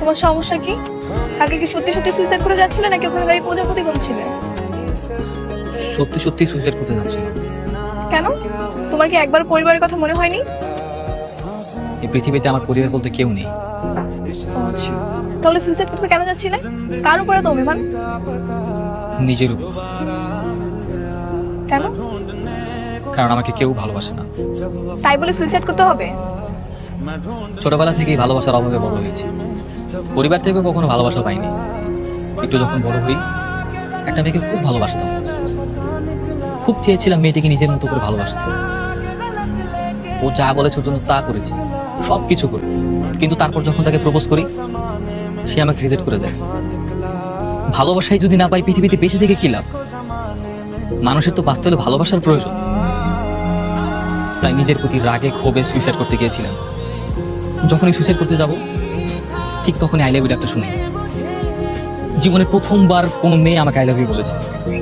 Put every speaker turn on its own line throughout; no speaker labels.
তোমার সমস্যা কি? আগে কি সত্যি সত্যি সুইসাইড করে যাচ্ছিলে নাকি ওখানে দাঁড়িয়ে প্রজাপতি গুনছিলে?
সত্যি সত্যি সুইসাইড করতে যাচ্ছিলাম।
কেন? তোমার কি একবার পরিবারের কথা মনে হয়নি?
এই পৃথিবীতে আমার পরিবার বলতে কেউ নেই।
আচ্ছা, তাহলে সুইসাইড করতে কেন যাচ্ছিলে? কার উপরে তো অভিমান?
নিজের উপর।
কেন?
কারণ আমাকে কেউ ভালোবাসে না।
তাই বলে সুইসাইড করতে হবে?
ছোটবেলা থেকেই ভালোবাসার অভাবে বড় হয়েছি। পরিবার থেকেও কখনো ভালোবাসা পাইনি। একটু যখন বড় হই, একটা মেয়েকে খুব ভালোবাসতাম। খুব চেয়েছিলাম মেয়েটিকে নিজের মতো করে ভালোবাসতে। ও যা বলেছে ওর জন্য তা করেছি, সব কিছু করে। কিন্তু তারপর যখন তাকে প্রপোজ করি, সে আমাকে রিজেক্ট করে দেয়। ভালোবাসাই যদি না পাই পৃথিবীতে বেঁচে থেকে কি লাভ? মানুষের তো বাঁচতে হলে ভালোবাসার প্রয়োজন। তাই নিজের প্রতি রাগে ক্ষোভে সুইসাইড করতে গিয়েছিলাম। যখনই সুইসাইড করতে যাব, ঠিক তখনই আই লাভ ইউ ডাকটা শুনি। জীবনে প্রথমবার কোনো মেয়ে আমাকে আই লাভ ইউ বলেছে।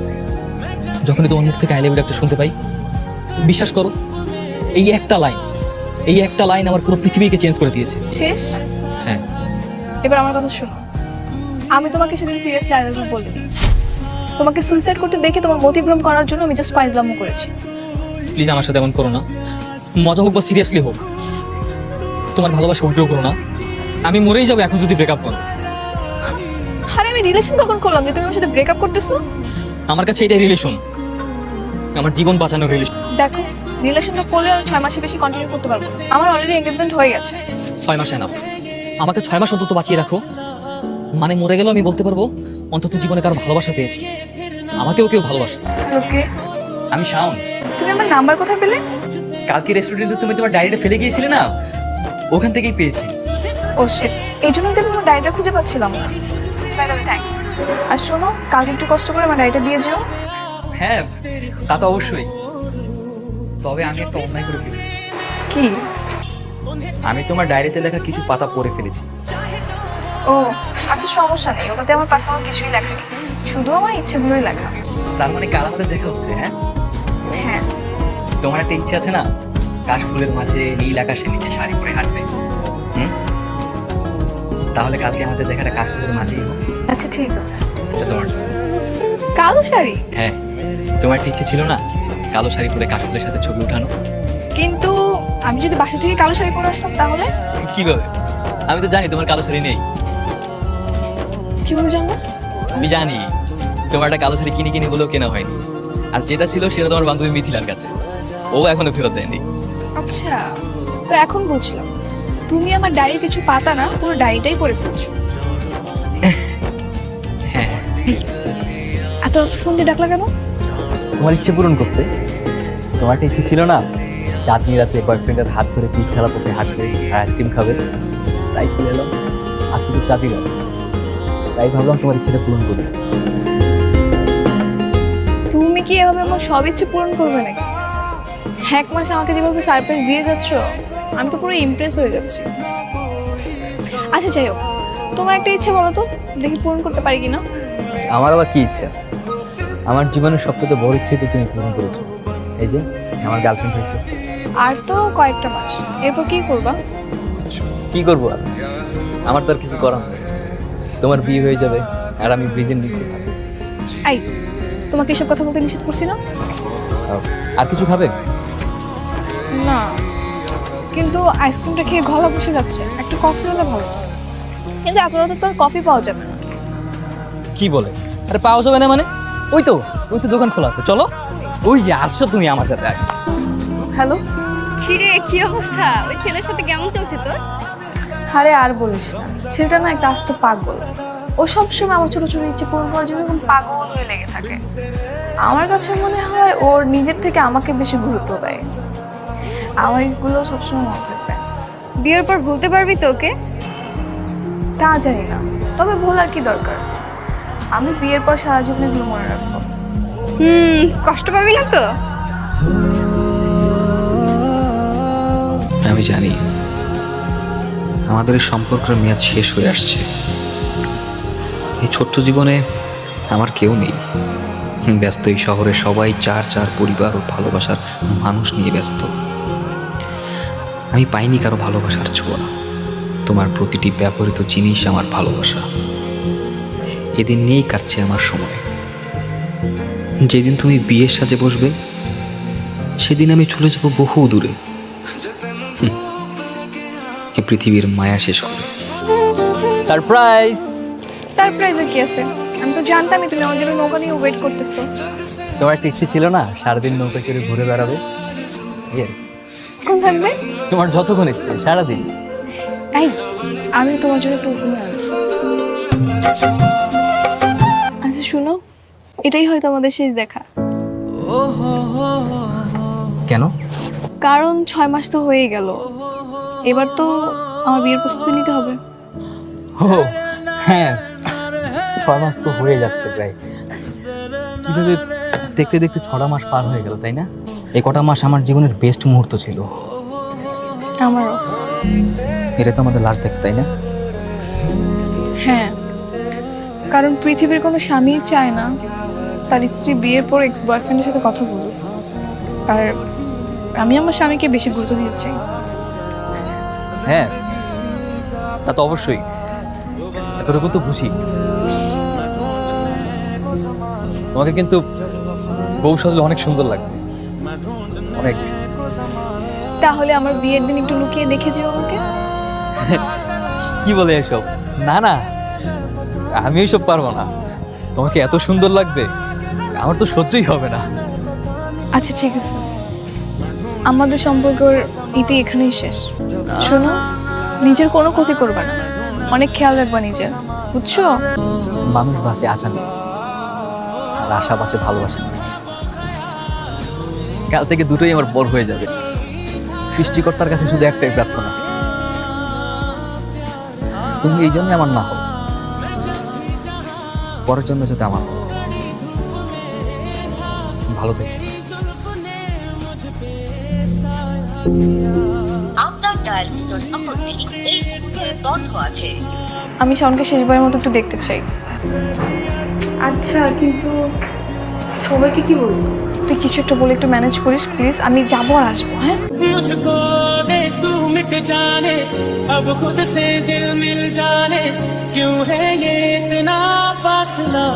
যখনই তোমার মুখ থেকে আই লাভ ইউ ডাকটা শুনতে পাই, বিশ্বাস করো, এই একটা লাইন আমার পুরো পৃথিবীকে চেঞ্জ করে দিয়েছে।
শেষ?
হ্যাঁ।
এবার আমার কথা শোনো। আমি তোমাকে সেদিন সিরিয়াসলি আই লাভ ইউ বলিনি। তোমাকে সুইসাইড করতে দেখে তোমার মতিভ্রম করার জন্য আমি জাস্ট ফাইজলামো করেছি।
প্লিজ আমার সাথে এমন করো না। মজা হোক বা সিরিয়াসলি হোক, তোমার ভালোবাসা উল্টো করো না। আমি মরেই যাবো এখন যদি ব্রেকআপ করো।
আরে আমি রিলেশন কখন করলাম যে তুমি আমার সাথে ব্রেকআপ করতেছো?
আমার কাছে এটাই রিলেশন, আমার জীবন বাঁচানোর রিলেশন।
দেখো, রিলেশনটা করলে আমি 6 মাসের বেশি কন্টিনিউ করতে পারবো না। আমার অলরেডি এঙ্গেজমেন্ট হয়ে গেছে।
6 মাস এনাফ। আমাকে 6 মাস অন্তত বাঁচিয়ে রাখো। মানে মরে গেলেও আমি বলতে পারবো অন্তত জীবনে কারো ভালোবাসা পেয়েছি, আমাকেও কেউ ভালোবাসে।
ওকে,
আমি শাওন।
তুমি আমার নাম্বার কোথায় পেলে?
কালকে রেস্টুরেন্টে তুমি তোমার ডায়েরিটা ফেলে গিয়েছিলে না, ওখান থেকেই পেয়েছি।
ও শিট, এই জন্যই তো আমি আমার ডায়েরিটা খুঁজে পাচ্ছিলাম না। By the way, thanks. আর শোনো, কালকে একটু কষ্ট করে আমার ডায়েরিটা দিয়ে যেও।
হ্যাঁ, তা তো অবশ্যই। তবে আমি একটা অন্যায় করে ফেলেছি।
কি?
আমি তোমার ডায়েরিতে লেখা কিছু পাতা পড়ে ফেলেছি।
ও আচ্ছা, সমস্যা নেই, ওটাতে আমার পার্সোনাল কিছুই লেখা নেই, শুধু আমার ইচ্ছেগুলোই লেখা।
তার মানে কাল আমাদের দেখা হচ্ছে? হ্যাঁ
হ্যাঁ।
তোমার একটা ইচ্ছে আছে না, কাশ ফুলের মাঝে নীল আকাশের নিচে শাড়ি পরে হাঁটবে? তাহলে কালকে আমাদের দেখাটা কাশ ফুলের মাঝেই হোক।
আচ্ছা ঠিক আছে।
এটা তোমার জন্য।
কালো শাড়ি?
হ্যাঁ, তোমার একটা ইচ্ছে ছিল না কালো শাড়ি পরে কাশ ফুলের সাথে ছবি উঠানো?
কিন্তু আমি যদি বাসা থেকে কালো শাড়ি পরে আসতাম তাহলে?
কিভাবে? আমি তো জানি তোমার কালো শাড়ি নেই।
কিভাবে জানবো?
আমি জানি তোমার একটা কালো শাড়ি কিনে কিনে বলেও কেনা হয়নি, আর যেটা ছিল সেটা তোমার বান্ধবী মিথিলার কাছে, ও এখনো ফেরত দেয়নি।
আচ্ছা, তো এখন বুঝলাম তুমি আমার ডায়েরির কিছু পাতা না, পুরো ডায়েরিটাই পড়ে ফেলছো।
হ্যাঁ।
এত রাত ফোন দিয়ে ডাকলা কেন?
তোমার ইচ্ছে পূরণ করতে। তোমার একটা ইচ্ছে ছিল না চাঁদনি রাতে বয়ফ্রেন্ডের হাত ধরে পিচ ছাড়া পথে হাঁটবে আর আইসক্রিম খাবে? তাই চলে এলাম। আজকে তো চাঁদি রাত, তাই ভাবলাম তোমার ইচ্ছেটা পূরণ করি।
তুমি কি এভাবে আমার সব ইচ্ছে পূরণ করবে নাকি? 1 মাস আমাকে যেভাবে সারপ্রাইজ দিয়ে যাচ্ছ, আমি তো পুরো ইমপ্রেস হয়ে যাচ্ছি। আচ্ছা যাই হোক, তোমার একটা ইচ্ছে বলো তো, দেখি পূরণ করতে পারি কিনা।
আমার আবার কি ইচ্ছা? আমার জীবনের সবচেয়ে বড় ইচ্ছে তো তুমি পূরণ করেছো। এই যে আমার গার্লফ্রেন্ড হয়েছে।
আর তো কয়েকটা মাস, এরপর কি করবা?
কি করবো আর, আমার তো আর কিছু করার নেই। তোমার বিয়ে হয়ে যাবে আর আমি ব্রিজের নিচে থাকবো।
এই, তোমাকে এসব কথা বলতে নিষেধ করছি না?
আর কিছু খাবে?
না, কিন্তু আইসক্রিমটা খেয়ে গলা বসে যাচ্ছে, একটা কফি হলে ভালো হতো। কিন্তু এত রাতে তো আর কফি পাওয়া যাবে না।
কি বলে? আরে পাওয়া যাবে না মানে? ওই তো দোকান খোলা আছে, চলো। ওই যে আসছো তুমি আমার সাথে আগে।
হ্যালো।
কিরে, কি অবস্থা? ওই ছেলের সাথে কেমন চলছে তোর?
আরে আর বলিস না, ছেলেটা না একটা আস্ত পাগল। ও সবসময় আমার ছোট ছোট ইচ্ছে পূরণ করার জন্য এরকম পাগল হয়ে লেগে থাকে। আমার কাছে মনে হয় ওর নিজের থেকে আমাকে বেশি গুরুত্ব দেয়। আমার এগুলো সবসময় মনে থাকবে।
বিয়ের পর ভুলতে পারবি তো ওকে?
তা জানি না, তবে ভোলার কি দরকার? আমি বিয়ের পর সারা জীবন এগুলো মনে রাখবো।
কষ্ট পাবি না তো?
আমি জানি আমাদের এই সম্পর্কের মেয়াদ শেষ হয়ে আসছে। এই ছোট্ট জীবনে আমার কেউ নেই। ব্যস্ত এই শহরে সবাই চার পরিবার ও ভালোবাসার মানুষ নিয়ে ব্যস্ত। আমি পাইনি কারো ভালোবাসার ছোঁয়া, তোমার প্রতিটি ব্যবহৃত জিনিস আমার ভালোবাসা। এদিন নিয়েই কাটছে আমার সময়। যেদিন তুমি বিয়ের সাজে বসবে সেদিন আমি চলে যাব বহু দূরে, এ পৃথিবীর মায়া শেষ করে। সারপ্রাইজ!
সারপ্রাইজে কি আছে? আমি তো জানতামই তুমি আমার জন্য নৌকা নিয়ে ওয়েট করতেছো।
তোমার একটা ইচ্ছে ছিল না সারাদিন নৌকা করে ঘুরে বেড়াবে?
কোন থাকবে?
তোমার যতক্ষণ ইচ্ছে সারাদিন।
এই, আমি তোমার জন্য একটু উপমা আনছি। আচ্ছা শুনো, এটাই হয়তো আমাদের শেষ দেখা।
কেন?
কারণ 6 মাস তো হয়ে গেল, এবার তো আমার বিয়ের প্রস্তুতি নিতে হবে।
ও হ্যাঁ, 6 মাস তো হয়ে যাচ্ছে প্রায়। কিভাবে দেখতে দেখতে 6টা মাস পার হয়ে গেল, তাই না? এই কটা মাস আমার জীবনের বেস্ট মুহূর্ত ছিল।
আমারও।
এটা তো আমাদের লাস্ট দেখা, তাই না?
হ্যাঁ, কারণ পৃথিবীর কোনো স্বামীই চায় না তার স্ত্রী বিয়ের পর এক্স বয়ফ্রেন্ডের সাথে কথা বলুক। আর আমি আমার স্বামীকে বেশি গুরুত্ব দিতে চাই।
হ্যাঁ, তা তো অবশ্যই, এতটুকু তো বুঝি। তোমাকে কিন্তু বউ সাজলে অনেক সুন্দর লাগবে, অনেক।
তাহলে আমার বিয়ের দিন একটু লুকিয়ে দেখে যেও আমাকে।
কি বলে এসব? না না, আমি এইসব পারবো না। তোমাকে এত সুন্দর লাগবে আমার তো সহ্যই হবে না।
আচ্ছা ঠিক আছে, আমাদের সম্পর্কের ইতি এখানেই শেষ। শোনো, নিজের কোনো ক্ষতি করবে না, অনেক খেয়াল রাখবা নিজের, বুঝছো?
মানুষ বাসে আশা নেই, আর আশা বাসে ভালোবাসা নেই। কাল থেকে দুটোই আমার বড় হয়ে যাবে। সৃষ্টিকর্তার কাছে শুধু একটাই প্রার্থনা, তুমি এই জন্য আমার না হও, পরের জন্য যাতে আমার হও। ভালো থেকো।
আমি শাওনকে শেষবারের মতো একটু দেখতে চাই। আচ্ছা, কিন্তু সবাইকে কি বলবো? তুই কিছু একটা বলে একটু ম্যানেজ করিস প্লিজ। আমি যাবো আর আসবো। হ্যাঁ,
मुझको दे तू मिट जाने, अब खुद से दिल मिल जाने, क्यों है ये इतना फासला,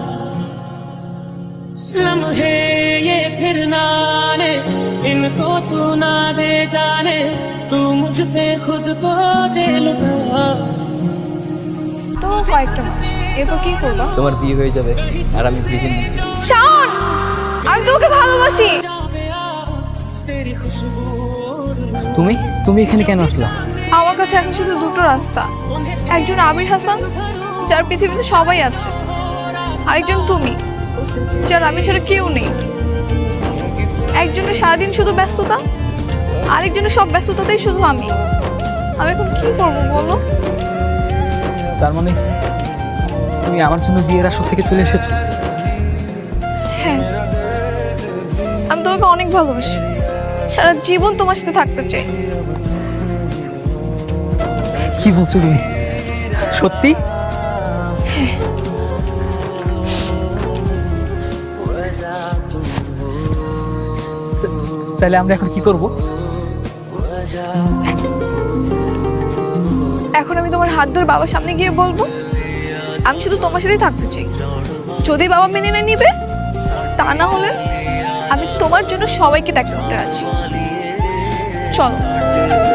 लम्हे ये फिर ना आने, इनको तू ना दे जाने, तू मुझ पे खुद को दे लुटा।
তো কয়েকটা মাস, এরপর কি করবা?
তোমার বিয়ে হয়ে যাবে আর আমি বিয়ে নিয়েছি।
শাওন, আমি তোমাকে ভালোবাসি।
तेरी खुशबू
তুমি তুমি এখানে কেন আসলা?
আমার কাছে এখন শুধু দুটো রাস্তা, একজন আবির হাসান যার পৃথিবীতে সবাই আছে, আরেকজন তুমি যার আমি ছাড়া কেউ নেই। একজনের সারাদিন শুধু ব্যস্ততা, আরেকজনের সব ব্যস্ততাতেই শুধু আমি। আমি এখন কি করবো বলো?
তার মানে তুমি আমার জন্য বিয়ের আসর থেকে চলে এসেছো?
হ্যাঁ, আমি তোমাকে অনেক ভালোবাসি, সারা জীবন তোমার সাথে থাকতে চাই।
কি বলছো তুমি? সত্যি? তাহলে আমরা এখন কি করব?
এখন আমি তোমার হাত ধরে বাবার সামনে গিয়ে বলবো আমি শুধু তোমার সাথেই থাকতে চাই। যদি বাবা মেনে না নিবে, তা না হলে আমি তোমার জন্য সবাইকে ত্যাগ করতে রাজি। চলো।